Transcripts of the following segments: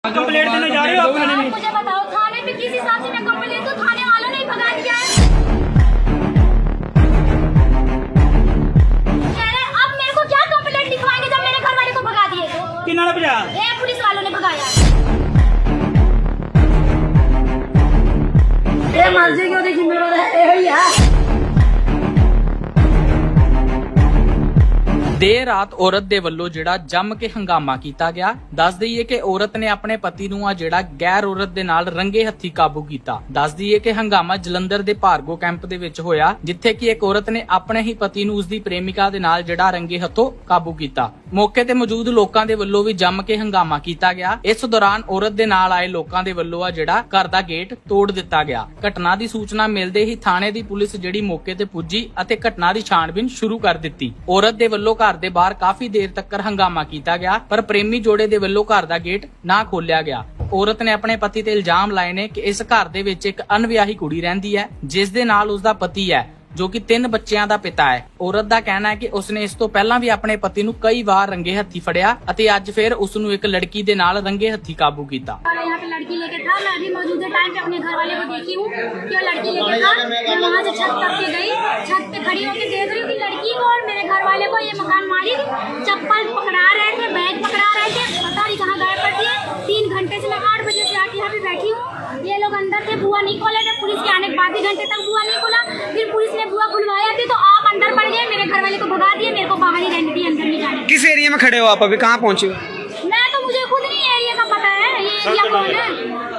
Complaint देने जा रहे हो आप थाने में? मुझे बताओ थाने में किस हिसाब से मैं कंप्लेंट दूं? थाने वालों ने ही भगा दिया है। कह रहे अब मेरे को क्या कंप्लेंट लिखवाएंगे जब मेरे घर वाले को भगा दिए तो? किन्ना ने भजा? ये पुलिस वालों ने भगाया। ये मर्जी क्यों देखी मेरा यही है। देर रात औरत ਦੇ ਵੱਲੋਂ ਜਿਹੜਾ ਜੰਮ ਕੇ ਹੰਗਾਮਾ ਕੀਤਾ ਗਿਆ। ਦੱਸ ਦਈਏ ਕਿ ਔਰਤ ਨੇ ਆਪਣੇ ਪਤੀ ਨੂੰ ਆ ਜਿਹੜਾ ਗੈਰ ਔਰਤ ਦੇ ਨਾਲ ਰੰਗੇ ਹੱਥੀ ਕਾਬੂ ਕੀਤਾ। ਦੱਸ ਦਈਏ ਕਿ ਹੰਗਾਮਾ ਜਲੰਧਰ ਦੇ ਭਾਰਗੋ ਕੈਂਪ ਦੇ ਵਿੱਚ ਹੋਇਆ, ਜਿੱਥੇ ਕਿ ਇੱਕ ਔਰਤ ਨੇ ਆਪਣੇ ਹੀ ਪਤੀ ਨੂੰ ਉਸਦੀ ਪ੍ਰੇਮਿਕਾ ਦੇ ਨਾਲ ਜਿਹੜਾ ਰੰਗੇ ਹੱਥੋਂ ਕਾਬੂ ਕੀਤਾ। ਮੌਕੇ ਤੇ ਮੌਜੂਦ ਲੋਕਾਂ ਦੇ ਵੱਲੋਂ ਵੀ ਜੰਮ ਕੇ ਹੰਗਾਮਾ ਕੀਤਾ ਗਿਆ। ਇਸ ਦੌਰਾਨ ਔਰਤ ਦੇ ਨਾਲ ਆਏ ਲੋਕਾਂ ਦੇ ਵੱਲੋਂ ਆ ਜਿਹੜਾ ਘਰ ਦਾ ਗੇਟ ਤੋੜ ਦਿੱਤਾ ਗਿਆ। ਘਟਨਾ ਦੀ ਸੂਚਨਾ ਮਿਲਦੇ ਹੀ ਥਾਣੇ ਦੀ ਪੁਲਿਸ ਜਿਹੜੀ ਮੌਕੇ ਤੇ ਪੁੱਜੀ ਅਤੇ ਘਟਨਾ ਦੀ ਛਾਣਬੀਨ ਸ਼ੁਰੂ ਕਰ ਦਿੱਤੀ। ਔਰਤ ਦੇ ਵੱਲੋਂ ਘਰ ਦੇ ਬਾਹਰ ਕਾਫੀ ਦੇਰ ਤੱਕ ਹੰਗਾਮਾ ਕੀਤਾ ਗਿਆ, ਪਰ ਪ੍ਰੇਮੀ ਜੋੜੇ ਦੇ ਵੱਲੋਂ ਘਰ ਦਾ ਗੇਟ ਨਾ ਖੋਲਿਆ ਗਿਆ। ਔਰਤ ਨੇ ਆਪਣੇ ਪਤੀ ਤੇ ਇਲਜ਼ਾਮ ਲਾਏ ਨੇ ਕਿ ਇਸ ਘਰ ਦੇ ਵਿੱਚ ਇੱਕ ਅਣਵਿਆਹੀ ਕੁੜੀ ਰਹਿੰਦੀ ਹੈ, ਜਿਸ ਦੇ ਨਾਲ ਉਸਦਾ ਪਤੀ ਹੈ, ਜੋ ਕਿ 3 ਬੱਚਿਆਂ ਦਾ ਪਿਤਾ ਹੈ। ਔਰਤ ਦਾ ਕਹਿਣਾ ਹੈ ਕਿ ਉਸਨੇ ਇਸ ਤੋਂ ਪਹਿਲਾਂ ਵੀ ਆਪਣੇ ਪਤੀ ਨੂੰ ਕਈ ਵਾਰ ਰੰਗੇ ਹੱਥੀ ਫੜਿਆ ਅਤੇ ਅੱਜ ਫਿਰ ਉਸ ਨੂੰ ਇੱਕ ਲੜਕੀ ਦੇ ਨਾਲ रंगे हथी काबू किया। यहाँ पे लड़की लेके था, मैं अभी मौजूदा टाइम पे अपने घर वाले को देखी हूँ कि वो लड़की लेके था। मैं वहाँ से छत तक के गई, छत पे खड़ी होकर देख रही थी लड़की को और मेरे घर वाले को। ये मकान मालिक चप्पल पकड़ा रहे थे, बैग पकड़ा रहे थे, पता नहीं कहाँ गायब कर दिए। 3 घंटे से मैं 8 बजे से आके यहाँ पे बैठी हूँ। ये लोग अंदर थे, बुआ नहीं खोले थे। पुलिस के आने के बाद 2 घंटे तक बुआ नहीं खोला, फिर पुलिस ने बुआ खुलवाया थी तो आप अंदर पड़ गए। मेरे घर वाले को भगा दिए, मेरे को बाहर ही रहने दिए, अंदर नहीं जाने। किस एरिया में खड़े हो आप? अभी कहाँ पहुँचे हो? मैं तो मुझे खुद नहीं एरिया का पता है, ये एरिया कौन है।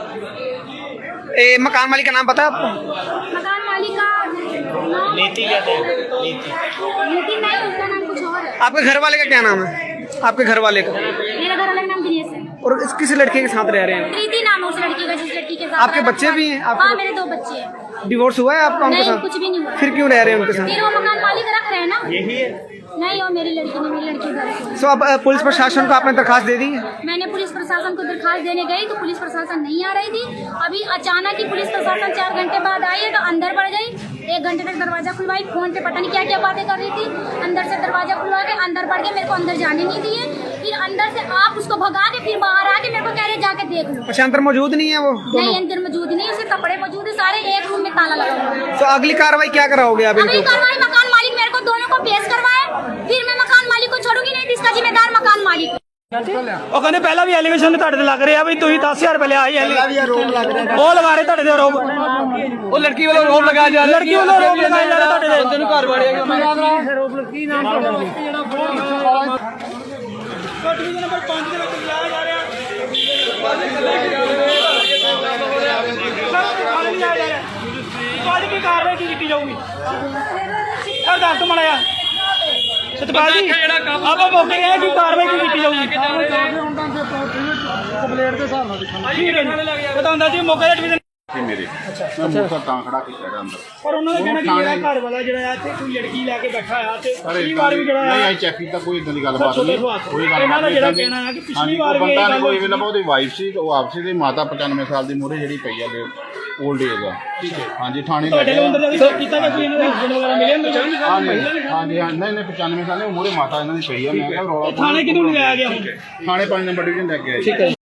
मकान मालिक का नाम पता है आपको? मकान मालिक का नाम नीति कहते हैं। नीति नहीं, उसका नाम कुछ और है। आपके घर वाले का क्या नाम है? आपके घर वाले का? मेरा घर वाला नाम दिनेश है और इस किस लड़के के साथ रह रहे हैं? प्रीति नाम है उस लड़की का, जिस लड़की के साथ आपके रहता बच्चे था। भी हैं? आपके हाँ, मेरे 2 बच्चे हैं। डिवोर्स हुआ है आपका उनके नहीं, साथ? कुछ भी नहीं हुआ। फिर क्यों रह रहे हैं उनके साथ? फिर वो मकान मालिक रख रहे हैं ना। यही है। नहीं, वो मेरी लड़की ने, मेरी लड़की घर से। तो अब पुलिस प्रशासन को आपने दरखास्त दे दी है? मैंने पुलिस प्रशासन को दरखास्त देने गई तो पुलिस प्रशासन नहीं आ रही थी। अभी अचानक ही पुलिस प्रशासन 4 घंटे बाद आई है तो अंदर बढ़ गई। 1 घंटे तक दरवाजा खुलवाई, फोन पे पता नहीं क्या क्या बातें कर रही थी। अंदर से दरवाजा खुलवा के अंदर बढ़ के मेरे को अंदर जाने नहीं दिए। फिर अंदर से आप उसको भगा के फिर बाहर आके मेरे को कह रहे जाके देख लो। अच्छा, अंदर मौजूद नहीं है वो दोनों? नहीं, अंदर मौजूद नहीं, उसके कपड़े मौजूद है सारे, एक रूम में ताला लगा हुआ है। तो अगली कार्रवाई क्या कराओगे आप अगली इनको? कार्रवाई मकान मालिक मेरे को दोनों को पेश करवाए, फिर मैं मकान मालिक को छोड़ूंगी नहीं, इसका जिम्मेदार मकान मालिक। ਉਹ ਕਹਿੰਦੇ ਪਹਿਲਾਂ ਵੀ ਐਲੀਗੇਸ਼ਨ ਤੁਹਾਡੇ ਤੇ ਲੱਗ ਰਿਹਾ ਵੀ ਤੁਸੀਂ 10,000 ਰੁਪਏ ਲਿਆ ਹੀ ਉਹ ਲਗਾ ਰਹੇ ਤੁਹਾਡੇ ਤੇ ਆਰੋਪ। ਉਹ ਲੜਕੀ ਵੱਲੋਂ ਆਰੋਪ ਲਗਾਇਆ ਜਾ ਰਿਹਾ, ਲੜਕੀ ਵੱਲੋਂ ਆਰੋਪ ਲਗਾਇਆ ਜਾ ਰਿਹਾ ਤੁਹਾਡੇ ਤੇ। ਬੰਦੇ ਨੂੰ ਘਰ ਵਾੜਿਆ ਕੀ ਨਾਮ ਤੁਹਾਡਾ? ਕੋਟਵੀ ਨੰਬਰ 5 ਦੇ ਵਿੱਚ ਲਿਆਇਆ ਜਾ ਰਿਹਾ। ਕੀ ਕਾਰਵਾਈ ਕੀ ਕੀਤੀ ਜਾਊਗੀ? ਸਰ ਦੱਸ ਤੋਂ ਮੜਿਆ ਸਤਪਾਲ ਜੀ, ਆਪਾਂ ਮੌਕੇ ਗਏ ਕੀ ਕਾਰਵਾਈ ਕੀ ਕੀਤੀ ਜਾਊਗੀ? ਕੰਪਲੇਂਟ ਦੇ ਹਿਸਾਬ ਨਾਲ ਦੇਖਾਂਗੇ। ਠੀਕ ਹੈ ਜੀ, ਬਤਾਉਂਦਾ ਜੀ ਮੌਕੇ ਦਾ ਡਿਵੀਜ਼ਨ ਮੇਰੇ ਮੈਂ ਮੋਟਰ ਤਾਂ ਖੜਾ ਕੀਤਾ ਹੈਗਾ ਅੰਦਰ। ਪਰ ਉਹਨਾਂ ਦਾ ਕਹਿਣਾ ਕਿ ਜਿਹੜਾ ਘਰ ਵਾਲਾ ਜਿਹੜਾ ਆ ਇੱਥੇ ਕੋਈ ਲੜਕੀ ਲੈ ਕੇ ਬੈਠਾ ਆ ਤੇ ਪਰ ਪਿਛਲੀ ਵਾਰ ਵੀ ਜਿਹੜਾ ਨਹੀਂ ਆ ਆਈ ਚੈੱਕ ਕੀਤਾ, ਕੋਈ ਇਦਾਂ ਦੀ ਗੱਲਬਾਤ ਨਹੀਂ, ਕੋਈ ਗੱਲ ਇਹਨਾਂ ਦਾ ਜਿਹੜਾ ਕਹਿਣਾ ਹੈ ਕਿ ਪਿਛਲੀ ਵਾਰ ਵੀ ਬੰਦਾ ਇਹ ਨੇ ਕੋਈ ਗੱਲ ਵੇਲੇ ਉਹਦੀ ਵਾਈਫ ਸੀ, ਉਹ ਆਪਸੀ ਦੀ ਮਾਤਾ 95 ਸਾਲ ਦੀ ਮੂਹਰੇ ਜਿਹੜੀ ਪਈ ਆ ਓਲਡ ਏਜ ਆ। ਠੀਕ ਹੈ, ਹਾਂਜੀ ਥਾਣੇ ਤੁਹਾਡੇ ਲੱਗੇ ਅੰਦਰ ਦਾ ਵੀ ਚੈੱਕ ਕੀਤਾ ਕਿ ਕੋਈ ਇਹਨਾਂ ਦੇ ਹਸਬੰਡ ਵਗੈਰਾ ਮਿਲੇ ਅੰਦਰ? ਹਾਂਜੀ ਨਹੀਂ 95 ਸਾਲ ਦੀ ਮੂਹਰੇ ਮਾਤਾ ਇਹਨਾਂ ਦੀ ਪਈ ਆ। ਮੈਂ ਕਿਹਾ ਰੌਲਾ ਥਾਣੇ ਕਿਦੋਂ ਲਿਆਇਆ ਗਿਆ ਹੁਣ? ਥਾਣੇ 5 ਨੰਬਰ ਡਿਵੀਜ਼ਨ ਲੈ ਕੇ ਆਏ। ਠੀਕ ਹੈ।